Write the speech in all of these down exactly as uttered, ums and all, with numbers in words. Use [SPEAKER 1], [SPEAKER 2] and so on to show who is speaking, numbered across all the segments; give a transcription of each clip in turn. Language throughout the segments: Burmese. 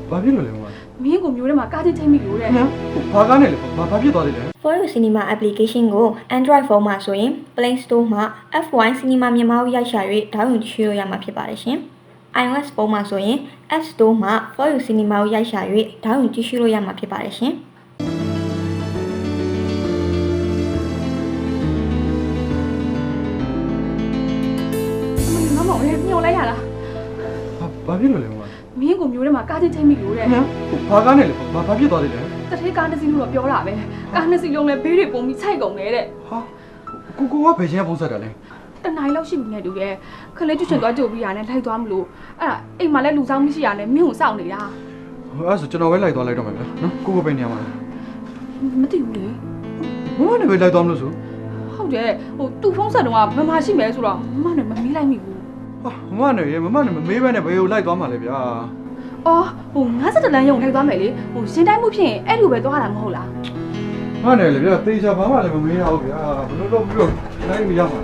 [SPEAKER 1] ဘာဖြစ်လို့လဲမမ
[SPEAKER 2] မင်းကိုမျိုးထဲမှာကားချင်းချိန်မိလို့တဲ့
[SPEAKER 1] ဟမ်ဘာကားနဲ့လဲဘာဘာဖြစ်သွားသေးလဲ
[SPEAKER 3] For You Cinema application ကို Android phone မှာဆိုရင် Play Store မှာ F one Cinema မြန်မာကိုရိုက်ရှာ၍ဒေါင်းလုဒ်ကြည့်လို့ရမှာဖြစ်ပါတယ်ရှင်။ iOS ဖုန်းမှာဆိုရင် App Store မှာ For You Cinema ကိုရိုက်ရှာ၍ဒေါင်းလုဒ်ကြည့်လို့ရမှာဖြစ်ပါတယ်ရှင်။
[SPEAKER 2] မမောင်လည်းညှို့လိုက်ရလား
[SPEAKER 1] ဘာဘာဖြစ်လို့လဲမမ
[SPEAKER 2] မင်းကိုမျိုးထဲမှာကားချင်းချိန်မိလို့တဲ့
[SPEAKER 1] ဟမ်ဘာကားနဲ့လဲဘာဘာဖြစ်သွားသေးလဲ
[SPEAKER 2] တထေးကားတစ်စီးလို့တော့ပြောတာပဲကားနှစ်စီးလုံးလည်းဘေးတွေပုံပြီးခြိုက်ကုန်တယ်တဲ့
[SPEAKER 1] ဟာကိုကိုကဘယ်ချင်းကပုံဆက်တာလဲ
[SPEAKER 2] တနိုင်လောက်ရှိပြီနဲ့တူရဲ့ခလေးကျွတ်ချင်သွားကြုတ်ပြီးရနဲ့လိုက်သွားမလို့အဲ့ဒါအိမ်မှာလည်းလူဆောင်မရှိရနဲ့မင်းကိုစောင့်နေတာ
[SPEAKER 1] အဲ့ဆိုကျွန်တော်ပဲလိုက်သွားလိုက်တော့မယ်ဗျာနော်ကိုကိုပဲနေရမှာ
[SPEAKER 2] မသိဘူးလေ
[SPEAKER 1] မမနဲ့ပဲလိုက်သွားမလို့ဆို
[SPEAKER 2] ဟုတ်တယ်ဟိုသူ့ဖုန်းဆက်တော့မမရှိမဲဆိုတော့မမနဲ့မမေးလိုက်မိဘူး
[SPEAKER 1] ဟာမမနဲ့ရေမမနဲ့မမေးဘဲနဲ့ဘယ်ကိုလိုက်သွားမှာလဲဗျာ
[SPEAKER 2] အော်ဟိုငါးဆက်တလန်းရုံလိုက်သွားမယ်လေဟိုရှင်းတိုင်းမှုဖြစ်ရင်အဲ့လိုပဲသွားတာမဟုတ်လား
[SPEAKER 1] မနဲ့လေဗျာတေချာဘာမှလည်းမမေးရဘူးဗျာဘယ်လိုလုပ်ပြီးတော့လိုက်မရမှာ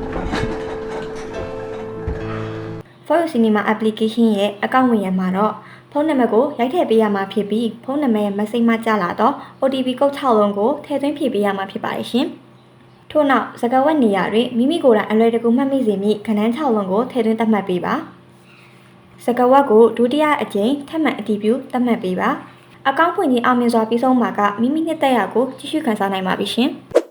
[SPEAKER 3] For You Cinema application ရဲ့အကောင့်ဝင်ရမှာတော့ဖုန်းနံပါတ်ကိုရိုက်ထည့်ပေးရမှာဖြစ်ပြီးဖုန်းနံပါတ်ရဲ့ message မှာကြာလာတော့ O T P ကုတ်၆လုံးကိုထည့်သွင်းဖြည့်ပေးရမှာဖြစ်ပါတယ်ရှင်။ထို့နောက်စကားဝတ်နေရာတွင်မိမိကိုယ်တိုင်အလွယ်တကူမှတ်မိစေမည့်ခဏန်း၆လုံးကိုထည့်သွင်းသတ်မှတ်ပေးပါ။စကားဝတ်ကိုဒုတိယအကြိမ်ထပ်မံအတည်ပြုသတ်မှတ်ပေးပါ။အကောင့်ဖွင့်ခြင်းအောင်မြင်စွာပြီးဆုံးမှာကမိမိနှစ်သက်ရာကိုကြည့်ရှုခန်းစားနိုင်ပါပြီရှင်။